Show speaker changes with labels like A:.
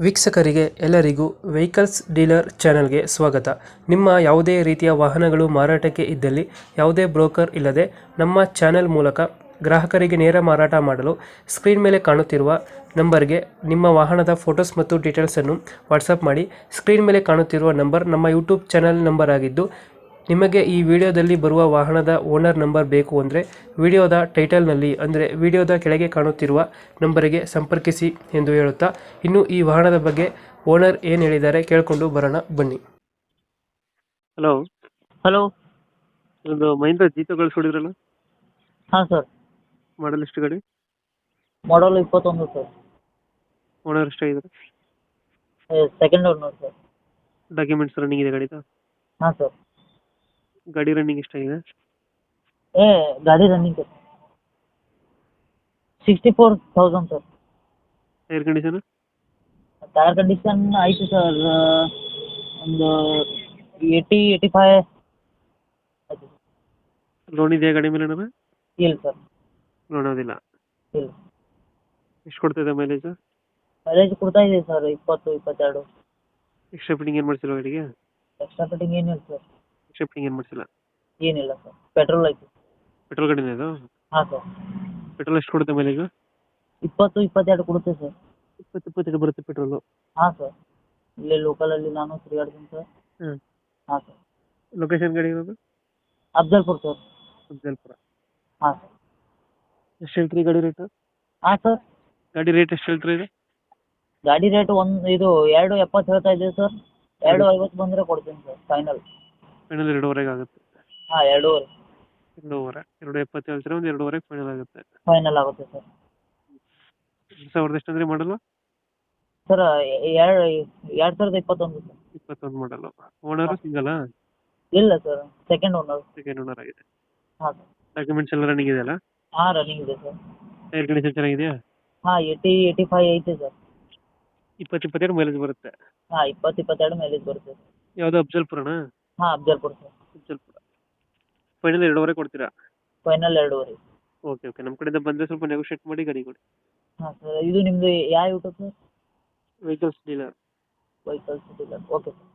A: ವೀಕ್ಷಕರಿಗೆ ಎಲ್ಲರಿಗೂ vehicles dealer ಚಾನೆಲ್ಗೆ ಸ್ವಾಗತ. ನಿಮ್ಮ ಯಾವುದೇ ರೀತಿಯ ವಾಹನಗಳು ಮಾರಾಟಕ್ಕೆ ಇದ್ದಲ್ಲಿ ಯಾವುದೇ ಬ್ರೋಕರ್ ಇಲ್ಲದೆ ನಮ್ಮ ಚಾನೆಲ್ ಮೂಲಕ ಗ್ರಾಹಕರಿಗೆ ನೇರ ಮಾರಾಟ ಮಾಡಲು ಸ್ಕ್ರೀನ್ ಮೇಲೆ ಕಾಣುತ್ತಿರುವ ನಂಬರ್ಗೆ ನಿಮ್ಮ ವಾಹನದ ಫೋಟೋಸ್ ಮತ್ತು ಡೀಟೇಲ್ಸನ್ನು ವಾಟ್ಸಪ್ ಮಾಡಿ. ಸ್ಕ್ರೀನ್ ಮೇಲೆ ಕಾಣುತ್ತಿರುವ ನಂಬರ್ ನಮ್ಮ ಯೂಟ್ಯೂಬ್ ಚಾನೆಲ್ ನಂಬರ್ ಆಗಿದ್ದು, ನಿಮಗೆ ಈ ವಿಡಿಯೋದಲ್ಲಿ ಬರುವ ವಾಹನದ ಓನರ್ ನಂಬರ್ ಬೇಕು ಅಂದರೆ ವಿಡಿಯೋದ ಟೈಟಲ್ನಲ್ಲಿ ಅಂದರೆ ವಿಡಿಯೋದ ಕೆಳಗೆ ಕಾಣುತ್ತಿರುವ ನಂಬರಿಗೆ ಸಂಪರ್ಕಿಸಿ ಎಂದು ಹೇಳುತ್ತಾ, ಇನ್ನು ಈ ವಾಹನದ ಬಗ್ಗೆ ಓನರ್ ಏನು ಹೇಳಿದ್ದಾರೆ ಕೇಳಿಕೊಂಡು ಬರೋಣ ಬನ್ನಿ. Hello
B: hello.
A: ಒಂದು ಮಹೀಂದ್ರ ಜೀತೋ ಕಳಿಸ್ಕೊಡಿದ್ರಲ್ಲ,
B: ಹಾಂ ಸರ್.
A: ಮಾಡಲ್ ಎಷ್ಟು ಗಾಡಿ?
B: Model 21 sir.
A: ಓನರ್ ಎಷ್ಟಾಗಿದ್ದಾರೆ?
B: Second owner sir.
A: Documents running ಇದೆ ಗಾಡಿದು?
B: ಹಾಂ ಸರ್.
A: ಗಾಡಿ ರನ್ನಿಂಗ್ ಎಷ್ಟಾಗಿದೆ?
B: ಗಾಡಿ running 64,000 sir.
A: Air condition?
B: Tyre condition ಆಯಿತು ಸರ್, ಒಂದು 85 ಆಯಿತು.
A: ಲೋನ್ ಇದೆಯಾ ಗಾಡಿ ಮೇಲೆ? ಏನಾರ
B: ಇಲ್ಲ ಸರ್.
A: ಲೋನ್ ಅದಿಲ್ಲ.
B: ಇಲ್ಲ.
A: ಎಷ್ಟು ಕೊಡ್ತಿದೆ ಮೈಲೇಜ್?
B: ಮೈಲೇಜ್ ಕೊಡ್ತಾ ಇದೆ ಸರ್, 20-22.
A: ಎಕ್ಸ್ಟ್ರಾ ಫಿಟ್ಟಿಂಗ್ ಏನು ಮಾಡ್ಸಿಲ್ಲ ಗಾಡಿಗೆ?
B: ಎಕ್ಸ್ಟ್ರಾ ಫಿಟ್ಟಿಂಗ್ ಏನಿಲ್ಲ ಸರ್.
A: ಎಕ್ಸ್ಟ್ರಾ ಫಿಟ್ಟಿಂಗ್ ಏನು ಮಾಡ್ಸಿಲ್ಲ?
B: ಏನಿಲ್ಲ ಸರ್. ಪೆಟ್ರೋಲ್ ಆಯಿತು.
A: ಪೆಟ್ರೋಲ್ ಗಾಡಿನೇ ಅದು?
B: ಹಾಂ ಸರ್.
A: ಪೆಟ್ರೋಲ್ ಎಷ್ಟು ಕೊಡುತ್ತೆ ಮೈಲೇಜ್?
B: 20-22 ಕೊಡುತ್ತೆ ಸರ್.
A: 20-22 ಬರುತ್ತೆ ಪೆಟ್ರೋಲು?
B: ಹಾಂ ಸರ್. ಇಲ್ಲೇ ಲೋಕಲಲ್ಲಿ ನಾನು ತಿರುಗಾಡ್ತೀನಿ ಸರ್.
A: ಹ್ಞೂ.
B: ಹಾಂ ಸರ್.
A: ಲೊಕೇಶನ್ ಗಾಡಿ ಇರೋದು?
B: ಅಫ್ಜಲ್ಪುರ್ ಸರ್.
A: ಅಫ್ಜಲ್ಪುರ.
B: ಹಾಂ ಸರ್.
A: ಎಷ್ಟು ಹೇಳ್ತೀರಿ ಗಾಡಿ ರೇಟು?
B: ಹಾಂ ಸರ್.
A: ಗಾಡಿ ರೇಟ್ ಎಷ್ಟು ಹೇಳ್ತೀರಿ ಇದು?
B: ಗಾಡಿ ರೇಟ್ 2.70 ಹೇಳ್ತಾ ಇದ್ದೀವಿ ಸರ್. 2.50 ಬಂದರೆ ಕೊಡ್ತೀನಿ ಸರ್, ಫೈನಲ್.
A: ಫೈನಲ್ 2.5 ಆಗುತ್ತೆ?
B: ಹಾಂ, 2.5.
A: 2.5. 2.70 ಹೇಳ್ತೀರಾ, ಒಂದು 2.5 ಫೈನಲ್ ಆಗುತ್ತೆ?
B: ಫೈನಲ್ ಆಗುತ್ತೆ ಸರ್.
A: 2000 ಎಷ್ಟು ಅಂದರೆ ಮಾಡಲು?
B: Sir 2021 sir.
A: 21 ಮಾಡಲು. ಓನರು ಸಿಂಗಲಾ?
B: ಇಲ್ಲ sir, second owner.
A: Second owner ಆಗಿದೆ.
B: ಹಾಂ ಸರ್.
A: ಡಾಕ್ಯುಮೆಂಟ್ಸ್ ಎಲ್ಲ ರನ್ನಿಂಗ್ ಇದೆಯಲ್ಲ?
B: ಹಾಂ, ರನ್ನಿಂಗ್ ಇದೆ ಸರ್.
A: ಟೈರ್ ಕಂಡೀಷನ್ ಚೆನ್ನಾಗಿದೆಯಾ?
B: ಹಾಂ, 85 ಐತೆ ಸರ್.
A: 20-22 ಮೈಲೇಜ್ ಬರುತ್ತೆ?
B: ಹಾಂ, 20-22 ಮೈಲೇಜ್ ಬರುತ್ತೆ ಸರ್.
A: ಯಾವುದು ಅಫ್ಜಲ್ಪುರನಾ?
B: ಹಾಂ, ಅಫ್ಜಲ್ಪುರ್ ಸರ್.
A: ಅಫ್ಜಲ್ಪುರ. ಫೈನಲ್ 2.5 ಕೊಡ್ತೀರಾ?
B: ಫೈನಲ್ 2.5.
A: ಓಕೆ ಓಕೆ, ನಮ್ಮ ಕಡೆಯಿಂದ ಬಂದರೆ ಸ್ವಲ್ಪ ನೆಗೋಷಿಯೇಟ್ ಮಾಡಿ ಗಾಡಿ ಕೊಡಿ.
B: ಹಾಂ ಸರ್. ಇದು ನಿಮ್ಮದು ಯಾವ YouTube sir?
A: Vehicles dealer.
B: Vehicles dealer. Okay sir.